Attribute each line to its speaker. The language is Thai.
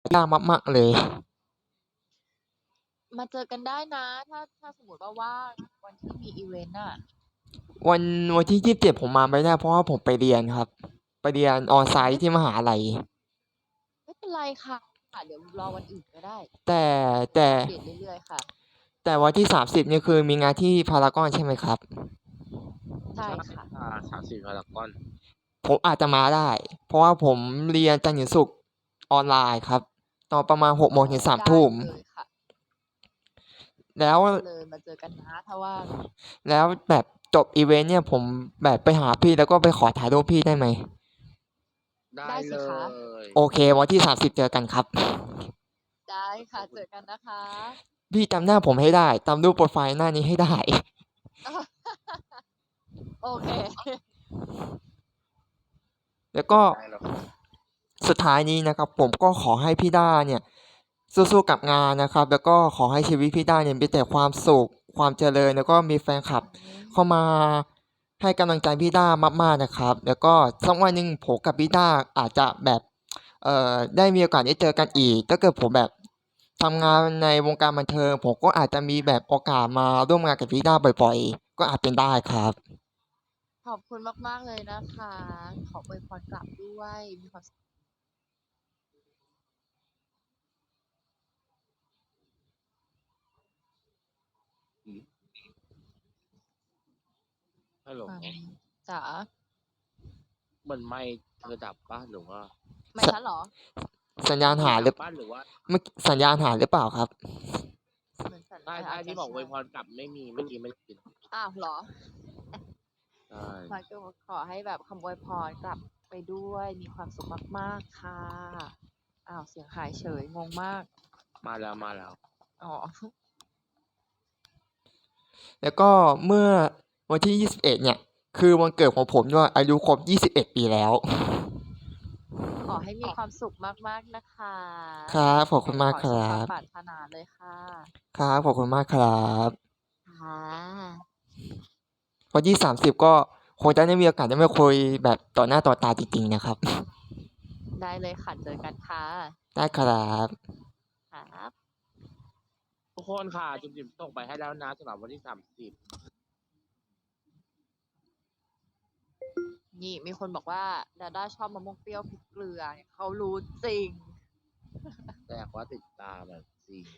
Speaker 1: ยากมากๆเลย
Speaker 2: มาเจอกันได้นะถ้าสมมติว่าว่างวันที่มีอีเวนต์อ่ะ
Speaker 1: วันวันที่27ผมมาไม่ได้เพราะว่าผมไปเรียนครับไปเรียนออนไซ
Speaker 2: ไม่
Speaker 1: ต์ที่มหาลัย
Speaker 2: ไม่เป็นไรค่ะเดี๋ยวรอวันอื่นก็ได้
Speaker 1: แต่
Speaker 2: เดี๋ยว
Speaker 1: แต่
Speaker 2: อัปเดตเรื่อยๆค่ะ
Speaker 1: แต่วันที่30นี่คือมีงานที่พารากอนใช่ไหมครับ
Speaker 2: ใช่
Speaker 3: ใช่
Speaker 2: ค่ะ
Speaker 3: ค่ะ30พารากอน
Speaker 1: ผมอาจจะมาได้เพราะว่าผมเรียนจันทร์ถึงศุกร์ออนไลน์ครับตอนประมาณ6โม
Speaker 3: อ๋อ
Speaker 1: งถึง3
Speaker 2: ได้
Speaker 1: ทุ่ม
Speaker 2: เลยค่ะ
Speaker 1: แล้ว
Speaker 2: ได้เลยมาเจอกันนะถ้าว่าง
Speaker 1: แล้วแบบจบอีเวนต์เนี่ยผมแบบไปหาพี่แล้วก็ไปขอถ่ายรูปพี่ได้ไหม
Speaker 3: ได้
Speaker 2: ได้
Speaker 3: เล
Speaker 2: สิคะ
Speaker 3: ย
Speaker 1: โอเควันที่30เจอกันครับ
Speaker 2: ได้ค่ะ
Speaker 3: ขอบคุณ
Speaker 2: เจอกันนะคะ
Speaker 1: พี่จำหน้าผมให้ได้จำรูปโปรไฟล์หน้านี้ให้ได้
Speaker 2: โอเค
Speaker 1: แล้วก็
Speaker 3: ได้แล้วครับ
Speaker 1: สุดท้ายนี้นะครับผมก็ขอให้พี่ด้าเนี่ยสู้ๆกับงานนะครับแล้วก็ขอให้ชีวิตพี่ด้าเนี่ยมีแต่ความสุขความเจริญแล้วก็มีแฟนคลับเข้ามาให้กำลังใจพี่ด้ามากๆนะครับแล้วก็สักวันหนึ่งผมกับพี่ด้าอาจจะแบบได้มีโอกาสได้เจอกันอีกถ้าเกิดผมแบบทำงานในวงการบันเทิงผมก็อาจจะมีแบบโอกาสมาร่วมงานกับพี่ด้าบ่อยๆก็อาจเป็นได้ครับ
Speaker 2: ขอบคุณมากๆเลยนะคะขออวยพรกลับด้วยมีความสุข
Speaker 3: อืมฮัลโหล
Speaker 2: จ๋า
Speaker 3: เหมือนไม่เธอดับป้ะหรือว่า
Speaker 2: ไม่
Speaker 1: ส
Speaker 2: ฉันเหรอ
Speaker 1: สัญญาณ
Speaker 3: พี่ดับ
Speaker 1: หายหรือ
Speaker 3: ป้ะหรือว่า
Speaker 1: เมื่อสัญญาณหายหรือเปล่าครับ
Speaker 2: เหมือนฉัน
Speaker 3: ใช่ใช่
Speaker 2: อาจจะ
Speaker 3: ที่บอกอว
Speaker 2: ใช่
Speaker 3: ยพรกลับไม่มีเมื่อกี้ไม่ได้ยิน
Speaker 2: อ้าวเหรอ
Speaker 3: ใช่
Speaker 2: มาก็ขอให้แบบคำอวยพรกลับไปด้วยมีความสุขมากๆค่ะอ้าวเสียงหายเฉยงงมาก
Speaker 3: มาแล้วมาแล้ว
Speaker 2: อ๋อ
Speaker 1: แล้วก็เมื่อวันที่21เนี่ยคือวันเกิดของผมด้วยอายุครบ21ปีแล้ว
Speaker 2: ขอให้มีความสุขมากๆนะคะ
Speaker 1: ครับขอบคุณมาก
Speaker 2: ขอ
Speaker 1: ครั
Speaker 2: สมความ
Speaker 1: บ
Speaker 2: ปรารถนาเลยค่ะ
Speaker 1: ครับขอบคุณมากครับ
Speaker 2: ค่ะ
Speaker 1: วันที่30ก็คงจะได้มีโอกาสได้มาคุยแบบต่อหน้าต่อตาจริงๆนะครับ
Speaker 2: ได้เลยค่ะเจอกันค่ะ
Speaker 1: ได้ครับ
Speaker 2: ครับ
Speaker 3: ทุกคนค่ะจุ๊บจิ๋มส่งไปให้แล้วนะสำหรับวันที่30
Speaker 2: นี่มีคนบอกว่าดาด้าชอบมะม่วงเปรี้ยวพริกเกลือเนี่ยเขารู้จริง
Speaker 3: แต่ว่าติดตามแบบจริง